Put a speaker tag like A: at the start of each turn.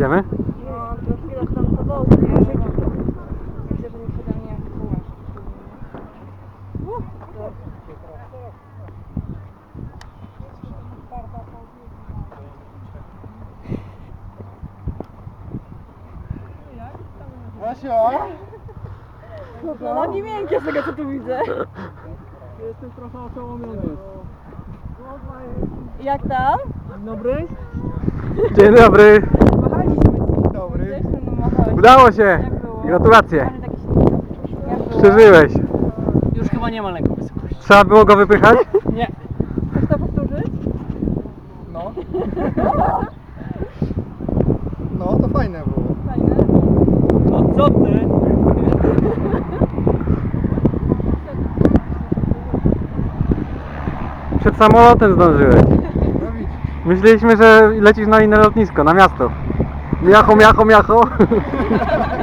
A: Idziemy?
B: No, to chwilę tam to było, nie? Myślę, że nie przede mnie jak kołasz.
C: Basia!
B: No nogi miękkie z tego co tu widzę.
C: Jestem trochę oszołomiony.
B: Jak tam?
C: Dzień dobry.
A: Dzień dobry.
B: Machaliśmy.
C: Dzień dobry.
B: Gdzieś no machałeś.
A: Udało się.
B: Jak było?
A: Gratulacje.
B: Ale taki śliczny. Jak było?
A: Przeżyłeś.
C: Już chyba nie ma lęku wysokości.
A: Trzeba było go wypychać?
C: Nie.
B: Chcesz to powtórzyć?
C: No. No to fajne było.
B: Fajne.
C: No co ty?
A: Przed samolotem zdążyłeś.
C: No widzisz.
A: Myśleliśmy, że lecisz na inne lotnisko, na miasto. Miacho, miacho, miacho.